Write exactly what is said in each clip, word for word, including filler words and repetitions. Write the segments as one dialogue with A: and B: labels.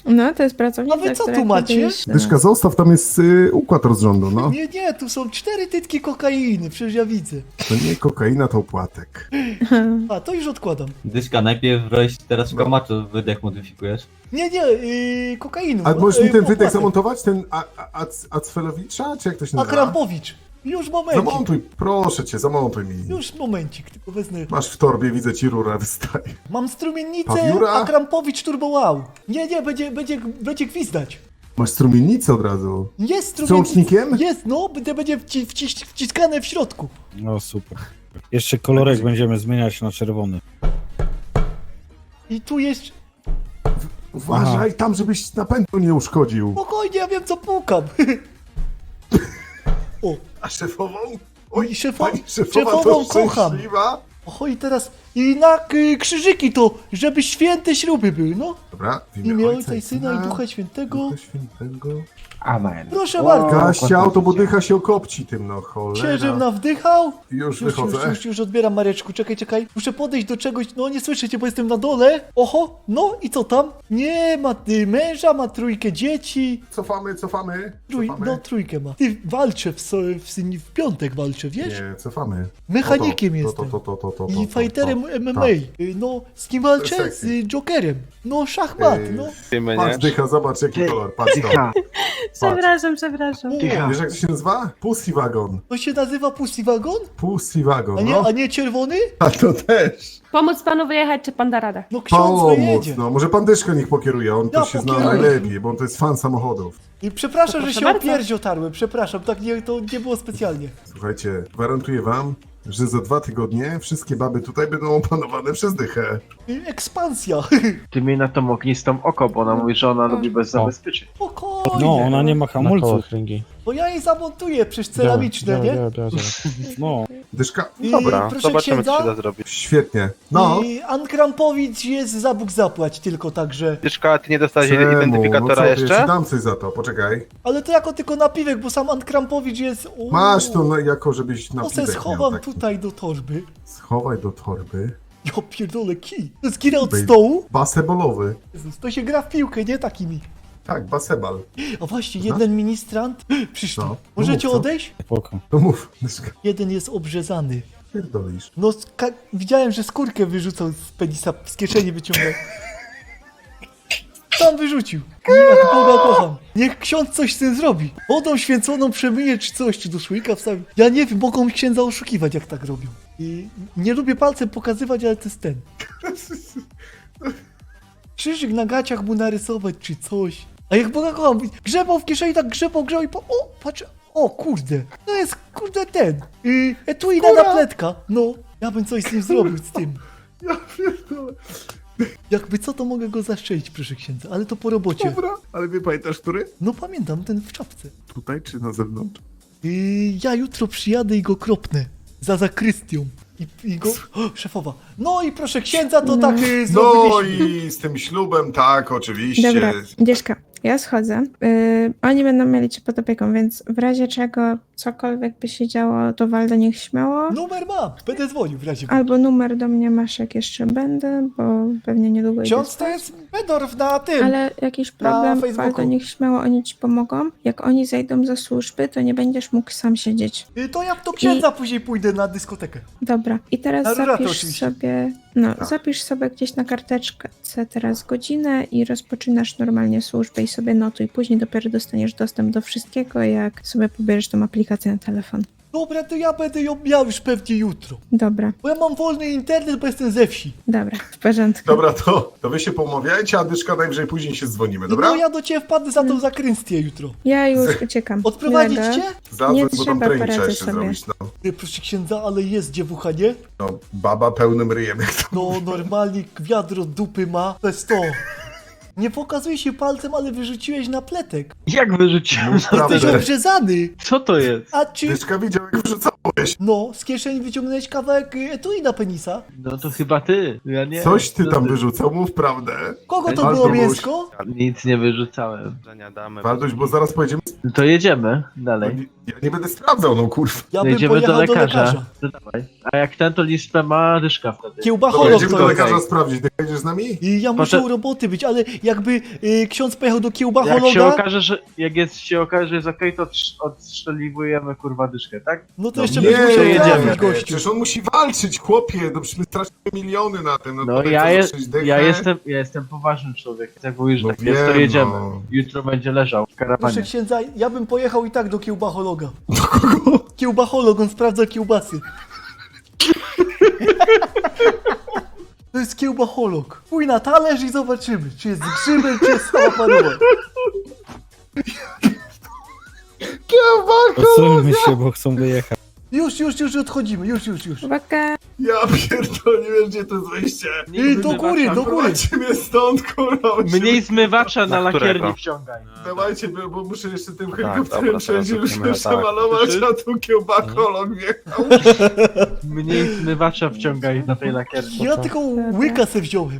A: No, to jest pracownica,
B: A wy co
A: która
B: tu macie?
A: kiedyś-
C: Dyszka, zostaw, tam jest y, układ rozrządu, no.
B: Nie, nie, tu są cztery tytki kokainy, przecież ja widzę.
C: To nie kokaina, to opłatek.
B: A, to już odkładam.
D: Dyszka, najpierw roś, teraz w kamaczu wydech modyfikujesz.
B: Nie, nie, yy, kokainu.
C: A możesz mi
B: yy,
C: ten wydech
B: opłatek.
C: zamontować? Ten A- A- Ac- Acfelowicza? Czy jak to się
B: A
C: nazywa?
B: Krampowicz. Już momencik.
C: Zamontuj, proszę cię, zamontuj mi.
B: Już momencik, tylko wezmę.
C: Masz w torbie, widzę ci rura wystaje.
B: Mam strumiennicę,
C: Pawiura?
B: a Krampowicz turbo wow. Nie, nie, będzie, będzie, będzie gwizdać.
C: Masz strumiennicę od razu.
B: Jest strumiennica.
C: Wstrząsnikiem?
B: Jest, no, będzie, będzie wci, wci, wciskane w środku.
E: No super. Jeszcze kolorek będziemy zmieniać na czerwony.
B: I tu jest...
C: Uważaj tam, żebyś napędu nie uszkodził.
B: Spokojnie, ja wiem co pukam. O,
C: A szefową?
B: Oj, szefo-
C: pani szefowa
B: szefową
C: to
B: kocham.
C: szczęśliwa.
B: o i teraz... I na y, krzyżyki to, żeby święte śruby były, no.
C: Dobra, w
B: W imię Ojca i Syna i Ducha Świętego.
C: Ducha Świętego.
F: Amen.
B: Proszę bardzo.
C: Gaścia, auto, bo dycha się okopci tym, no cholera.
B: Księżem nawdychał.
C: Już
B: Już,
C: wychodzę.
B: już, już, już odbieram Mareczku, czekaj, czekaj. Muszę podejść do czegoś, no nie słyszycie, bo jestem na dole. Oho, no i co tam? Nie, ma y, męża, ma trójkę dzieci.
C: Cofamy, cofamy.
B: Trój,
C: cofamy.
B: no trójkę ma. Ty walczę w, so, w, w piątek walczę, wiesz?
C: Nie, cofamy.
B: Mechanikiem
C: to, to,
B: jestem.
C: To, to, to, to, to,
B: I
C: to,
B: fighterem
C: to.
B: M M A.
C: Tak.
B: Y, No, z kim walczę?
C: Sexy.
B: Z y, Jokerem. No, szachmat,
C: Ej,
B: no.
C: Patrz dycha, zobacz jaki kolor, patrz to.
F: Dycha,
A: Przepraszam, przepraszam.
F: dycha.
C: Wiesz jak to się nazywa? Pussy Wagon.
B: To się nazywa Pussy Wagon?
C: Pussy Wagon,
B: A nie,
C: no.
B: a nie czerwony?
C: A to też.
A: Pomóc panu wyjechać, czy pan da radę?
B: No ksiądz
C: Pomóc,
B: wyjedzie.
C: no. Może pan Dyszko niech pokieruje, on
B: Ja
C: to się zna
B: pokieruję.
C: najlepiej, bo on to jest fan samochodów.
B: I przepraszam,
A: To
B: że
A: proszę
B: się
A: bardzo.
B: o pierś otarłem, przepraszam, tak nie, to nie było specjalnie.
C: Słuchajcie, gwarantuję wam, że za dwa tygodnie wszystkie baby tutaj będą opanowane przez dychę.
B: Y, Ekspansja.
F: Ty miej na tą ognistą oko, bo ona mówi, że ona lubi bez zabezpieczeń.
B: Spokojnie.
E: No, ona nie ma
G: Na koło
E: hamulców.
G: kręgi.
B: Bo ja jej zamontuję, przecież ceramiczne,
G: Działa,
B: nie?
G: działa, działa, działa.
E: No,
C: Dyszka?
B: I
H: Dobra,
B: proszę
H: zobaczymy, co się da
B: księdza.
H: zrobić.
C: Świetnie. No.
B: I An Krampowicz jest za Bóg zapłać tylko, także...
H: Dyszka, a ty nie dostałeś
C: Czemu?
H: identyfikatora
C: no co, Ja ci
H: jeszcze?
C: dam coś za to, poczekaj.
B: Ale to jako tylko napiwek, bo sam An Krampowicz jest... Uuu,
C: Masz to no, jako, żebyś na
B: To se
C: piwek miał
B: schowam
C: taki.
B: tutaj do torby.
C: Schowaj do torby.
B: Ja pierdolę, kij. To jest gira od
C: Bej-
B: stołu.
C: Basebolowy.
B: Jezus, to się gra w piłkę, nie takimi.
C: Tak, baseball.
B: A właśnie, jeden ministrant... Przyszli.
C: No, no
B: Możecie
C: mów, co?
B: odejść?
E: spoko.
C: To mów, Dyszka.
B: Jeden jest obrzezany.
C: Pierdolisz.
B: No, ska- widziałem, że skórkę wyrzucał z penisa, z kieszeni wyciągnął. Tam wyrzucił. Jak Boga kocham. Niech ksiądz coś z tym zrobi. Wodą święconą przemyje czy coś, czy do słoika wstawi. Ja nie wiem, mogą księdza oszukiwać, jak tak robią. I nie lubię palcem pokazywać, ale to jest ten. Krzyżyk na gaciach mu narysować, czy coś. A jak Boga kocham, grzebał w kieszeni, tak grzebał, grzebał i po... O, patrz, o kurde. To jest, kurde, ten. Yy, etui na napletka. No, ja bym coś z nim zrobił, z tym.
C: Ja pierdolę.
B: Jakby co, to mogę go zaszczelić, proszę księdza, ale to po robocie.
C: Dobra, ale wie pamiętasz, który?
B: No pamiętam, ten w czapce.
C: Tutaj czy na zewnątrz?
B: Yy, ja jutro przyjadę i go kropnę. Za zakrystią. I, i go... O, szefowa. No i proszę księdza, to tak yy,
C: No
B: zrobiliśmy.
C: i z tym ślubem, tak, oczywiście.
A: Dobra, Dyszka, ja schodzę. Yy, oni będą mieli cię pod opieką, więc w razie czego cokolwiek by się działo, to Waldo niech śmiało.
B: Numer mam, będę dzwonił w razie.
A: Albo numer do mnie masz, jak jeszcze będę, bo pewnie niedługo idę
B: Ksiądz to
A: spać.
B: jest Bedorf na tym.
A: Ale jakiś problem,
B: Facebooku.
A: Waldo niech śmiało, oni ci pomogą. Jak oni zejdą ze służby, to nie będziesz mógł sam siedzieć.
B: Yy, to ja do księdza później pójdę na dyskotekę.
A: Dobra, i teraz
B: Na ruratę
A: zapisz
B: oczywiście.
A: sobie, no,
C: Tak.
A: zapisz sobie gdzieś na karteczce teraz godzinę i rozpoczynasz normalnie służbę i sobie notuj. Później dopiero dostaniesz dostęp do wszystkiego, jak sobie pobierzesz tą aplikację na telefon.
B: Dobra, to ja będę ją miał już pewnie jutro.
A: Dobra,
B: Bo ja mam wolny internet, bo jestem ze wsi.
A: dobra, w porządku.
C: Dobra, to, to wy się pomawiajcie, a Dyszka najwyżej później się dzwonimy, dobra?
B: No ja do ciebie wpadnę za tą zakrynstię jutro.
A: Ja już uciekam.
B: Odprowadzić
A: Miłego.
B: cię?
C: Zadzwoń,
A: nie
C: bo tam
A: trzeba,
C: trening
A: poradzę
C: trzeba jeszcze
A: sobie.
C: zrobić, no.
B: Yy, proszę księdza, ale jest dziewucha, nie?
C: No, baba pełnym ryjem, jak to
B: No normalnie wiadro dupy ma. To jest to. Nie pokazuje się palcem, ale wyrzuciłeś na pletek.
F: Jak wyrzuciłem?
C: Mów prawdę.
B: Jesteś obrzezany.
F: Co to jest?
B: A czy...
C: Dyszka widział, jak wrzucałeś.
B: No, z kieszeni wyciągnąłeś kawałek y, etui na penisa.
F: No to chyba ty, ja nie.
C: Coś ty
F: Co
C: tam wyrzucał, mów prawdę.
B: Kogo to
C: Albo
B: było
C: byś-
B: mięsko?
F: Nic nie wyrzucałem.
H: Damy.
C: Wardoś, bo zaraz pojedziemy.
F: No to jedziemy
C: No,
F: dalej.
C: nie- ja nie będę sprawdzał, no kurwa.
B: Ja
F: No
B: bym
F: jedziemy do
B: pojechał do
F: lekarza.
B: lekarza.
F: To dawaj. A jak ten, to listę ma Dyszka wtedy.
C: Dobra,
B: Kiełbacholog
C: jedziemy do
B: to jest.
C: lekarza sprawdzić. Ty jedziesz z nami?
B: I ja muszę
F: Potem-
B: u roboty być, ale jakby y, ksiądz pojechał do
F: Jak się
B: kiełbachologa,
F: okaże, że jak jest, się okaże, że jest okej, to odsz- odstrzeliwujemy kurwa dyszkę, tak?
B: no to
C: No
B: jeszcze
C: nie,
B: byś musiał
F: jedziemy.
B: trafić, gościu.
C: Przecież on musi walczyć, chłopie, no przecież my stracimy miliony na tym. No,
F: No
C: to
F: ja,
C: co,
F: je,
C: sześć dych,
F: ja
C: nie?
F: jestem ja jestem poważnym człowiekiem. Jak mówisz, że
C: No
F: tak jest, to
C: wiem,
F: jedziemy.
C: no.
F: Jutro będzie leżał w karawanie.
B: Proszę księdza, ja bym pojechał i tak do kiełbachologa. Kiełbacholog, on sprawdza kiełbasy. To jest kiełbacholog. Pójdź na talerz i zobaczymy, czy jest z grzybem, czy jest sama paruwa.
E: Odsuńmy się, bo chcą wyjechać.
B: Już, już, już odchodzimy, już, już, już.
A: Uwaga!
C: Ja pierdolę, nie wiem gdzie to jest wejście.
B: I do góry, do góry.
C: Prowadźcie mnie stąd, kurwa. musimy-
F: Mniej zmywacza na
G: Na którego?
F: lakierni wciągaj.
C: Dawajcie, bo, bo muszę jeszcze tym
G: dobra,
C: helikopterem
G: teraz
C: wszędzie
G: robimy
C: już
G: tak.
C: przemalować, a tu kiełbacholog wjechał.
F: Mniej zmywacza wciągaj na tej lakierni.
B: Ja tylko łyka se wziąłem.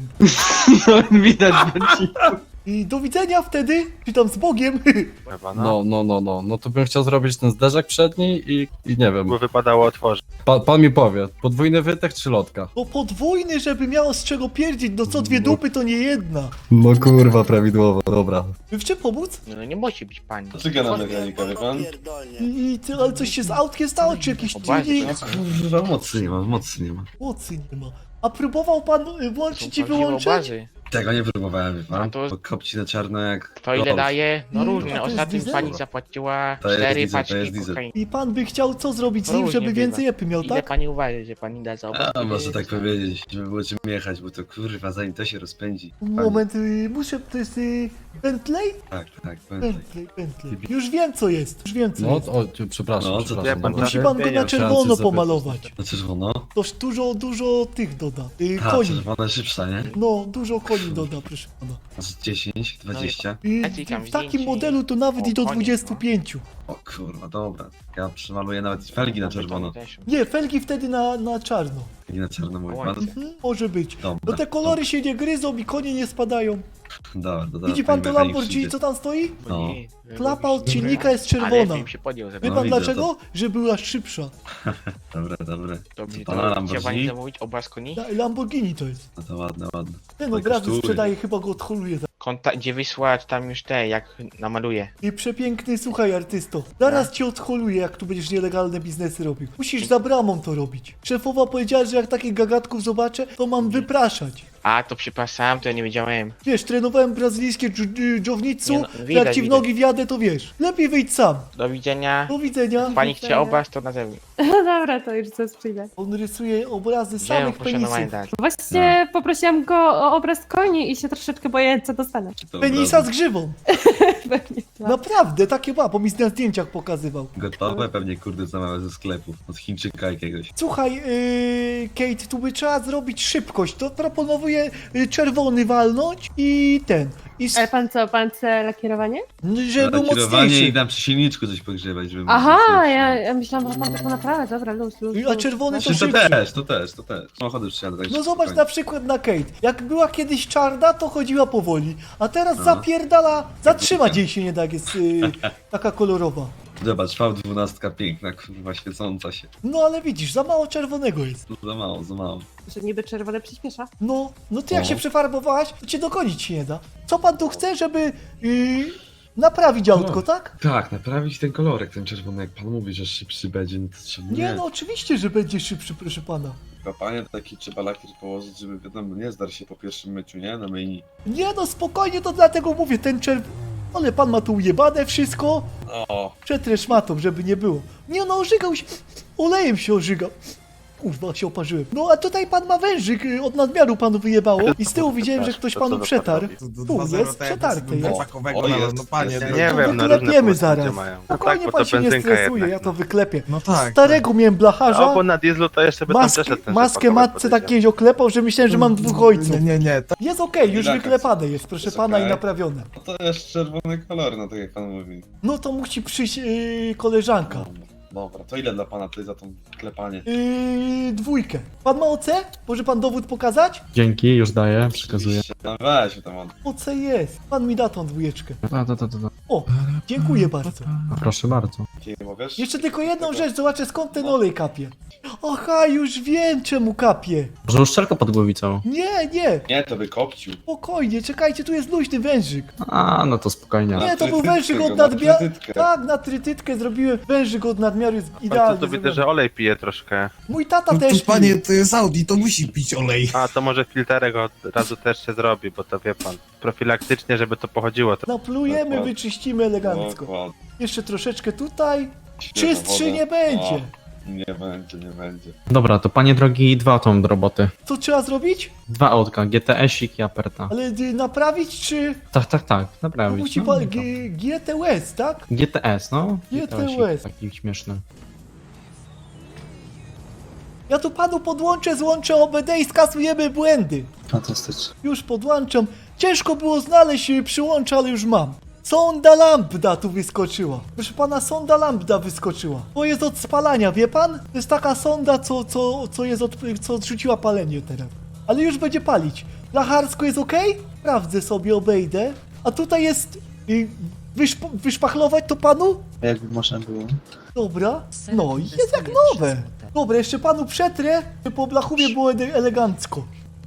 F: No, widać będzie.
B: I do widzenia wtedy, czy tam z Bogiem.
G: Chyba, no.
H: No, no, no, no. No to bym chciał zrobić ten zderzak przedni i, i nie wiem.
G: By wypadało otworzyć.
H: Pa, pan mi powie, podwójny wytech czy lotka?
B: No podwójny, żeby miało z czego pierdzić, no co dwie dupy to nie jedna.
H: No kurwa, prawidłowo, dobra.
B: W czym pomóc?
I: No nie musi być pani.
H: Czeka na mechanika, wie pan?
B: I, i ty, ale coś się z autkiem stało, czy jakiś
I: Obawiam się.
B: tuning?
H: Kurwa, mocy nie ma, mocy nie ma.
B: Mocy nie ma. A próbował pan y, włączyć i
I: Są prawdziwe
B: wyłączyć?
I: obrazy.
H: Tego nie próbowałem, wie pan?
I: No to-
H: Bo kopci na czarno jak...
I: To ile daje? No
B: Mm, a
I: różne.
B: to jest
I: Ostatnio
B: diesel?
I: pani zapłaciła
H: To jest
I: cztery
H: diesel, to
I: paczki
H: jest diesel.
I: kokainy.
B: I pan by chciał co zrobić z nim,
I: Różnie
B: żeby
I: bywa.
B: więcej epy miał,
I: Ile
B: tak?
I: pani uważa, że pani da za obraz?
H: A, można tak powiedzieć, żeby było czym jechać, bo to kurwa, zanim to się rozpędzi.
B: Moment, y, muszę, to jest y, Bentley?
H: Tak, tak, pamiętaj.
B: Bentley, Bentley. Już wiem co jest, już wiem co
H: No,
B: jest.
H: o, przepraszam, No, co przepraszam.
G: wie pan,
H: dobra.
B: Musi pan go na czerwono
H: Chciałem coś
B: pomalować.
H: Na czerwono?
B: Toż dużo, dużo tych doda. Y,
H: A,
B: koni.
H: czerwona szybsza, nie?
B: No, dużo koni doda, proszę pana.
H: Z dziesięć, dwadzieścia.
B: I
I: Ja ci tam
B: w takim
I: zdjęcie
B: modelu to nawet
I: o,
B: i do
I: koniec,
B: dwudziestu pięciu.
H: O kurwa, dobra. Ja przemaluję nawet felgi na czerwono.
B: Nie, felgi wtedy na, na czarno.
H: I na czarno mój
I: Oj.
H: pan.
B: Mhm, może być.
H: Dobra,
B: No te kolory się nie gryzą i konie nie spadają.
H: Dobra, dobra.
B: Widzi pan to
H: mechanik
B: Lamborghini,
H: przyjdzie.
B: co tam stoi?
H: No.
B: Klapa od silnika jest
I: Ale
B: czerwona.
I: bym się podjął za
B: Wie
H: No,
B: pan
H: widzę
B: dlaczego? Że była szybsza.
H: Dobra, dobra.
I: To mi
H: pana
I: to
H: Lamborghini?
I: chciał pani zamówić obraz koni?
B: La- Lamborghini to jest.
H: No to ładne, ładne.
B: Ten
H: To
B: obrazy
H: kosztuje.
B: sprzedaje, chyba go odholuje.
I: Konta, gdzie wysłać tam już te, jak namaluję.
B: I przepiękny, słuchaj artysto, zaraz cię odholuje, jak tu będziesz nielegalne biznesy robił. Musisz za bramą to robić. Szefowa powiedziała, że jak takich gagatków zobaczę, to mam wypraszać.
I: A, to przepraszam, to ja nie wiedziałem.
B: Wiesz, trenowałem brazylijskie dż- y, jiu-jitsu,
I: Nie no,
B: jak
I: widać,
B: ci w
I: widać.
B: nogi wjadę, to wiesz. Lepiej wyjdź sam.
I: Do widzenia.
B: Do widzenia.
I: Pani chce obraz, to na zewnątrz.
J: Dobra, to już zaraz przyjdę.
B: On rysuje obrazy
I: Gdzie ją
B: samych
I: poszanowanie
B: penisów.
I: dać?
J: Właśnie poprosiłam go o obraz koni i się troszeczkę boję, co dostanę.
H: Dobra.
B: Penisa z grzywą.
J: Pewnie tak.
B: Naprawdę, takie ma, bo mi na zdjęciach pokazywał.
H: Gotowe pewnie kurde zamawiam ze sklepu. Od Chińczyka jakiegoś.
B: Słuchaj, yy, Kate, tu by trzeba zrobić szybkość. To proponuję yy, czerwony walnąć i ten. I s-
J: Ale pan co, pan chce lakierowanie?
B: żeby był
H: Kierowanie
B: mocniejszy.
H: i dam przy silniczku coś pogrzebać, żeby
J: Aha,
H: było mocniejsze.
J: ja, ja myślałam, że pan tak naprawdę, dobra, luz, luz,
B: A
J: luz.
B: czerwony to
H: Czy to
B: szybciej.
H: też, to też, to też. Samochody przyjadę tak
B: No
H: szybko,
B: zobacz
H: fajnie.
B: na przykład na Kate. Jak była kiedyś czarna, to chodziła powoli. A teraz
H: No.
B: zapierdala, zatrzymać jej się nie da, jak jest yy, taka kolorowa.
H: Zobacz, V dwanaście piękna, kurwa, świecąca się.
B: No ale widzisz, za mało czerwonego jest.
H: Za mało, za mało.
J: Że niby czerwone przyspiesza.
B: No, no ty jak
H: No.
B: się przefarbowałaś, to cię dogonić się nie da. Co pan tu chce, żeby yy, naprawić autko,
H: No.
B: tak?
H: Tak, naprawić ten kolorek, ten czerwony, jak pan mówi, że szybszy będzie, no to trzeba...
B: Nie, no oczywiście, że będzie szybszy, proszę pana.
H: Panie, taki trzeba lakier położyć, żeby wiadomo, nie zdar się po pierwszym myciu, nie? Na myjni.
B: Nie no, spokojnie, to dlatego mówię, ten czerw... Ale pan ma tu ujebane wszystko.
H: O,
B: Przetrę szmatą, żeby nie było. Nie no, ożygał się, olejem się ożygał. Kurwa, się oparzyłem. No a tutaj pan ma wężyk, y, od nadmiaru panu wyjebało. I z tyłu widziałem, że ktoś panu przetarł. Tu jest, przetarte jest.
H: o, jest,
G: no panie,
H: jest,
G: no
B: Nie
G: to
B: wiem,
G: wyklepiemy
B: wyklepiemy zaraz.
G: Mają.
B: Spokojnie,
G: bo
B: pan
G: to
B: się nie
G: benzynka
B: stresuje,
G: jednak,
B: ja to
G: no.
B: wyklepię.
G: No tak.
B: Starego miałem blacharza,
G: Albo na dieslu to jeszcze by tam
B: mask,
G: przeszedł ten
B: maskę
G: rzepakowy
B: matce
G: podejdzie.
B: tak kiedyś oklepał, że myślałem, że mam dwóch ojców.
G: Nie, nie, nie. To...
B: Jest okej, już
H: Relax.
B: wyklepane jest, proszę
H: Jest
B: pana, i
H: okej.
B: naprawione.
H: no to jest czerwony kolor, no tak jak pan mówi.
B: No to musi przyjść yy, koleżanka.
H: Dobra, to ile dla pana tutaj za to klepanie?
B: Yy, dwójkę. Pan ma O C? Może pan dowód pokazać?
K: Dzięki, już daję, przekazuję.
H: No weź tam on.
B: O C jest. Pan mi da tą dwójeczkę.
K: A, to, to, to, to.
B: O, dziękuję bardzo.
K: Proszę bardzo.
H: Jakie mówisz?
B: Jeszcze tylko jedną rzecz, zobaczę skąd ten olej kapie. Aha, już wiem czemu kapie.
K: Może uszczelka pod głowicą?
B: Nie, nie,
H: Nie, to wykopcił.
B: spokojnie, czekajcie, tu jest luźny wężyk.
K: A, no to spokojnie.
B: Nie, to był
H: trytytkę
B: wężyk
H: go,
B: od
H: na
B: nadmiaru.
H: trytytkę.
B: Tak, na trytytkę zrobiłem. Wężyk od nadmiaru jest
G: Ale
B: idealny.
G: to widzę,
B: zrobiony.
G: że olej pije troszkę.
B: Mój tata też pił.
C: to jest Audi, to musi pić olej.
G: A, to może filterek od razu też się zrobi, bo to wie pan. Profilaktycznie, żeby to pochodziło. To...
B: Naplujemy,
H: Dokładnie.
B: wyczyścimy elegancko.
H: Dokładnie.
B: Jeszcze troszeczkę tutaj.
H: Świeża
B: Czystszy
H: woda.
B: nie będzie.
H: O, nie będzie, nie będzie.
K: Dobra, to panie drogi, dwa auto do roboty.
B: Co trzeba zrobić?
K: Dwa autka, G T S-ik i Aperta.
B: Ale y, naprawić czy...
K: Tak, tak, tak,
B: No,
K: naprawić.
B: musi
K: No,
B: pan...
K: no.
B: G- G T S, tak?
K: G T S, no.
B: G T S.
K: GTS-ik taki śmieszny.
B: Ja tu panu podłączę, złączę O B D i skasujemy błędy.
H: Fantastycznie.
B: Już podłączam. Ciężko było znaleźć y, przyłącza, ale już mam. Sonda lambda tu wyskoczyła. Proszę pana, sonda lambda wyskoczyła. To jest od spalania, wie pan? To jest taka sonda, co, co, co jest od, co odrzuciła palenie teraz. Ale już będzie palić. Lacharsko jest ok? Sprawdzę sobie, obejdę. A tutaj jest... Y, wyszp wyszpachlować to panu?
H: Jakby można było.
B: Dobra. No i jest jak nowe. Dobra, jeszcze panu przetrę, żeby po blachubie było ele- elegancko.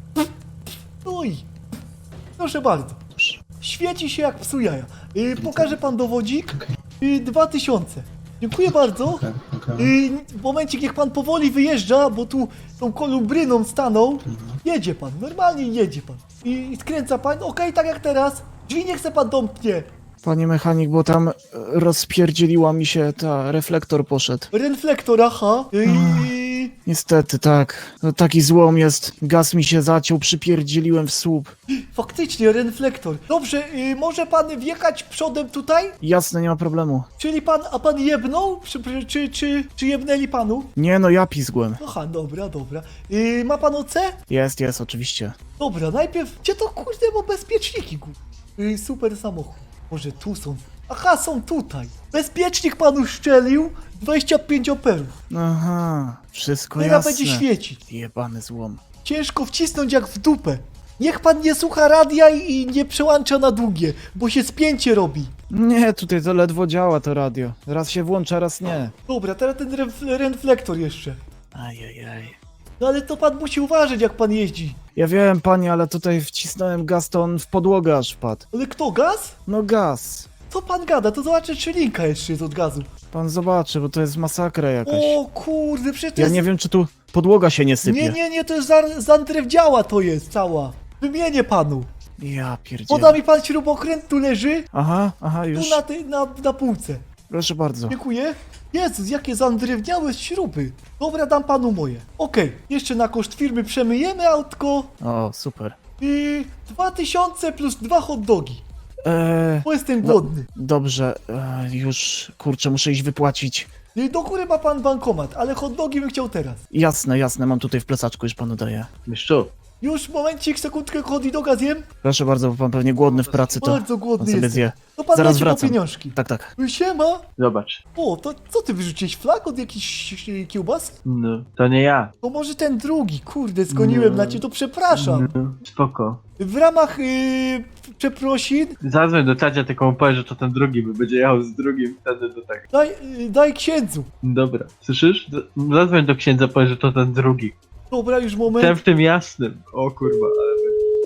B: No i... Proszę bardzo. Świeci się jak psu jaja. Y, pokaże pan dowodzik? Y, dwa tysiące. Dziękuję bardzo. Y, momencik, niech pan powoli wyjeżdża, bo tu tą kolumbryną stanął. Jedzie pan, normalnie jedzie pan. I, i skręca pan, okej, tak jak teraz. Drzwi nie chce pan domknie.
L: Panie mechanik, bo tam e, rozpierdzieliła mi się ta, reflektor poszedł.
B: Reflektor, aha. Y, y,
L: Niestety, tak. No, taki złom jest. Gaz mi się zaciął, przypierdzieliłem w słup.
B: faktycznie, reflektor. Dobrze, y, może pan wjechać przodem tutaj?
L: Jasne, nie ma problemu.
B: Czyli pan, a pan jebnął? Czy, czy, czy, czy jebnęli panu?
L: Nie no, ja pizgłem.
B: Aha, dobra, dobra. Y, ma pan O C?
L: Jest, jest, oczywiście.
B: Dobra, najpierw... Gdzie to kurde, bo bezpieczniki, kur... Y, super samochód. Może tu są... Aha, są tutaj. Bezpiecznik panu szczelił. dwadzieścia pięć amperów.
L: Aha, wszystko
B: Teraz
L: jasne.
B: będzie świecić.
L: Jebany złom.
B: Ciężko wcisnąć jak w dupę. Niech pan nie słucha radia i i nie przełącza na długie, bo się spięcie robi.
L: Nie, tutaj to ledwo działa to radio. Raz się włącza, raz nie.
B: Dobra, teraz ten ref- reflektor jeszcze.
L: Ajajaj.
B: No ale to pan musi uważać, jak pan jeździ.
L: Ja wiem, panie, ale tutaj wcisnąłem gaz, to on w podłogę aż wpadł.
B: Ale kto, gaz?
L: No gaz.
B: Co pan gada? To zobaczę, czy linka jeszcze jest od gazu.
L: Pan zobaczy, bo to jest masakra jakaś.
B: O kurde, przecież to
L: Ja
B: jest...
L: nie wiem, czy tu podłoga się nie sypie.
B: Nie, nie, nie, to jest za- zandrewdziała to jest cała. Wymienię panu.
L: Ja pierdzielę.
B: Poda mi pan śrubokręt, tu leży,
L: Aha, aha,
B: tu
L: już.
B: na, tej, na, na półce.
L: Proszę bardzo.
B: Dziękuję. Jezus, jakie zandrewniałe śruby. Dobra, dam panu moje. Okej, jeszcze na koszt firmy przemyjemy autko.
L: O, super.
B: I dwa tysiące plus dwa hot dogi.
L: Eee,
B: Bo jestem
L: No.
B: głodny.
L: dobrze, eee, już, kurczę, muszę iść wypłacić.
B: I do góry ma pan bankomat, ale hot dogi bym chciał teraz.
L: Jasne, jasne, mam tutaj w plecaczku, już panu daję.
F: Mistrzu,
B: Już, momencik, sekundkę, hot doga zjem.
L: Proszę bardzo, bo pan pewnie głodny w pracy, to
B: Bardzo
L: pan
B: głodny
L: sobie
B: jestem.
L: zje.
B: To pan
L: Zaraz
B: leci po
L: wracam.
B: pieniążki.
L: Tak, tak.
B: Siema.
F: zobacz.
B: O, to co ty wyrzuciłeś? Flag od jakiejś e, kiełbasy?
F: No, to nie ja.
B: To może ten drugi, kurde, zgoniłem
F: No.
B: na cię, to przepraszam.
F: No, spoko.
B: W ramach yy, przeprosin
F: Zadzwoń do tacia, tylko mu powiedz, że to ten drugi, bo będzie jechał z drugim, wtedy to tak.
B: daj, yy, daj księdzu.
F: Dobra, słyszysz? Z- Zadzwoń do księdza, powiedz, że to ten drugi.
B: Dobra, już
F: Ten
B: moment.
F: w tym jasnym. O kurwa, ale...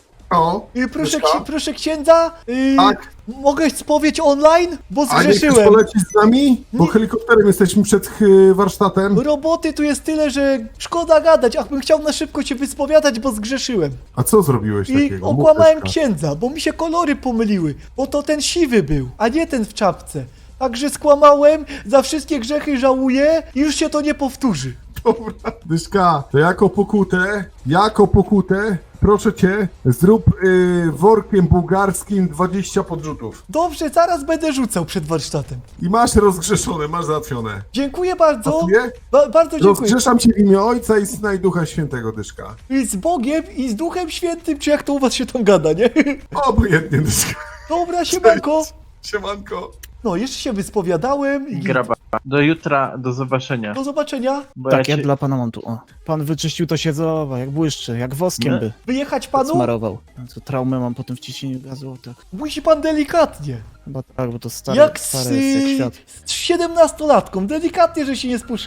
C: O,
B: Yy, proszę,
C: Myszka?
B: ksi- proszę księdza, yy,
C: Tak.
B: mogę spowiedź online? Bo
C: a nie chcesz
B: zgrzeszyłem.
C: polecieć z nami? Bo
B: Nie.
C: helikopterem jesteśmy przed y, warsztatem.
B: Roboty tu jest tyle, że szkoda gadać, ach bym chciał na szybko się wyspowiadać, bo zgrzeszyłem.
C: A co zrobiłeś
B: I
C: takiego? Mów,
B: okłamałem
C: Myszka.
B: księdza, bo mi się kolory pomyliły, bo to ten siwy był, a nie ten w czapce. Także skłamałem, za wszystkie grzechy żałuję i już się to nie powtórzy.
C: Dobra, Dyszka, to jako pokutę, jako pokutę, proszę cię, zrób y, workiem bułgarskim dwadzieścia podrzutów.
B: Dobrze, zaraz będę rzucał przed warsztatem.
C: I masz rozgrzeszone, masz załatwione.
B: Dziękuję bardzo.
C: Pasuje?
B: Ba bardzo dziękuję.
C: Rozgrzeszam cię w imię Ojca i Syna i Ducha Świętego, Dyszka.
B: I z Bogiem i z Duchem Świętym, czy jak to u was się tam gada, nie?
C: Obojętnie, Dyszka.
B: Dobra, siemanko.
C: Siemanko.
B: No, jeszcze się wyspowiadałem i
F: Graba. Do jutra, do zobaczenia.
B: do zobaczenia.
F: Bo
L: Tak,
F: ja
L: ja
F: cię...
L: dla pana mam tu, o. Pan wyczyścił to siedzowa, jak błyszczy, jak woskiem
F: Nie?
L: by.
B: Wyjechać panu?
L: Smarował. No to traumę mam po tym wciśnieniu gazu, tak.
B: Musi pan delikatnie.
L: Chyba tak, bo to stare,
B: jak z,
L: stare jest jak świat.
B: z siedemnastolatką, delikatnie, że się nie spuszyło.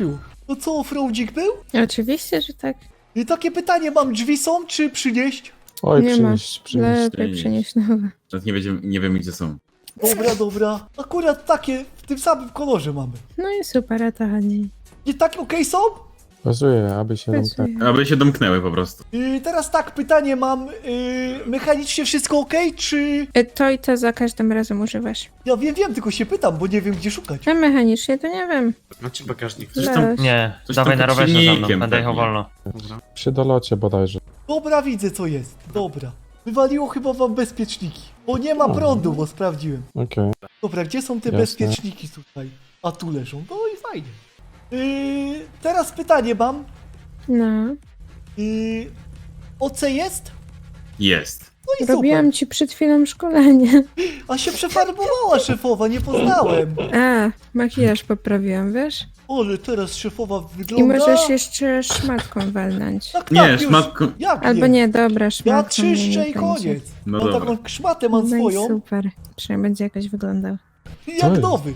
B: No co, offroadzik był?
A: Oczywiście, że tak.
B: I takie pytanie mam, drzwi są, czy przynieść?
A: Oj, nie ma. Lepiej przynieść nowe.
H: Nie, wiedziemy, nie wiemy gdzie są.
B: Dobra, dobra. Akurat takie w tym samym kolorze mamy.
A: No i super, o to chodzi.
B: Nie tak okej są?
L: Pasuje, aby się
A: Pasuje.
H: Aby się domknęły po prostu.
B: Yy, teraz tak, pytanie mam. Yy, mechanicznie wszystko okej, czy...
A: Y, To i to za każdym razem używasz.
B: Ja wiem, wiem, tylko się pytam, bo nie wiem gdzie szukać.
A: A mechanicznie to nie wiem.
H: Macie bagażnik.
A: Leż.
D: Nie,
H: Coś
D: dawaj
H: tam
D: na
H: pod
D: rowerze za mną,
H: silnikiem
D: będę jechał
H: pewnie.
D: wolno.
L: Przy dolocie bodajże.
B: Dobra, widzę co jest. Dobra. Wywaliło chyba wam bezpieczniki. Bo nie ma prądu, bo sprawdziłem.
L: Okej.
B: Dobra, gdzie są te
L: Jasne.
B: bezpieczniki tutaj? A tu leżą. No i fajnie. Yy, teraz pytanie mam.
A: No.
B: Yy, O C jest?
H: Jest.
B: No i
A: Robiłam
B: super.
A: ci przed chwilą szkolenie.
B: A się przefarbowała szefowa, nie poznałem.
A: A, makijaż poprawiłam, wiesz?
B: Ale teraz szefowa
A: I
B: wygląda...
A: możesz jeszcze szmatką walnąć.
B: Tak,
H: Nie,
B: tak, już.
H: szmatką.
B: Jak
A: Albo nie, dobra,
B: Ja
A: szmatką mnie
B: czyszczę
A: nie
B: i
A: będzie.
B: koniec.
H: No
B: Mam
H: dobra.
B: taką szmatę, mam
A: No i
B: swoją.
A: super. Przynajmniej będzie jakoś wyglądał.
B: Jak
L: jest?
B: nowy.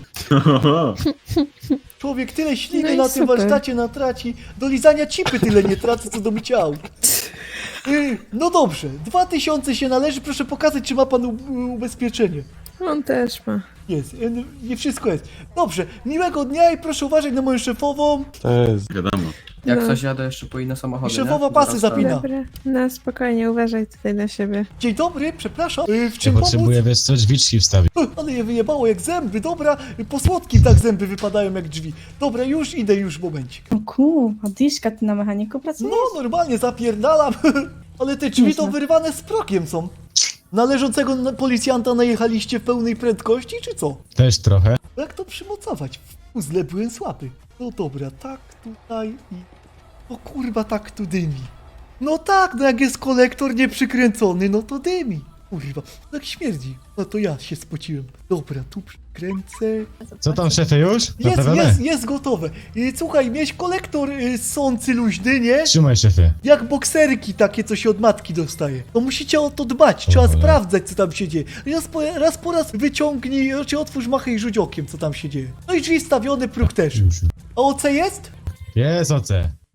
B: Człowiek tyle śliny
A: No i
B: na tym
A: super.
B: warsztacie natraci, do lizania cipy tyle nie traci, co do mycia aut. Yy, No dobrze, dwa tysiące się należy, proszę pokazać, czy ma pan u- ubezpieczenie.
A: On też ma.
B: Jest, yy, nie wszystko jest. Dobrze, miłego dnia i proszę uważać na moją szefową.
L: To jest.
H: Wiadomo.
A: Jak coś
F: jadę jeszcze po inne samochody,
B: Szefowa pasy zapina.
A: Dobra, no spokojnie, uważaj tutaj na siebie.
B: Dzień dobry, przepraszam, yy, w czym pomóc?
C: wiesz co, drzwiczki wstawić.
B: Ale je wyjebało jak zęby, dobra, po słodkim tak zęby wypadają jak drzwi. Dobra, już idę, już momencik.
J: O ku, a Diszka, ty na mechaniku pracujesz?
B: No, normalnie zapierdalam, ale te drzwi to
J: Nieźle.
B: wyrwane z prokiem są. Należącego na policjanta najechaliście w pełnej prędkości, czy co?
C: Też trochę.
B: Jak to przymocować? W puzzle byłem słaby. No dobra, tak tutaj i... O kurwa, tak tu dymi. No tak, no jak jest kolektor nieprzykręcony, no to dymi. Kurwa, tak śmierdzi. No to ja się spociłem. Dobra, tu przykręcę.
C: Co tam, szefie, już?
B: Jest, jest, jest gotowe. I słuchaj, mieć kolektor y, sący luźny, nie?
C: Trzymaj, szefie.
B: Jak bokserki takie, co się od matki dostaje. To musicie o to dbać, trzeba
C: cholera.
B: sprawdzać, co tam się dzieje. Raz po, raz po raz wyciągnij, czy otwórz machę i rzuć okiem, co tam się dzieje. No i drzwi stawione, próg też.
C: Już.
B: A O C jest?
C: Jest O C.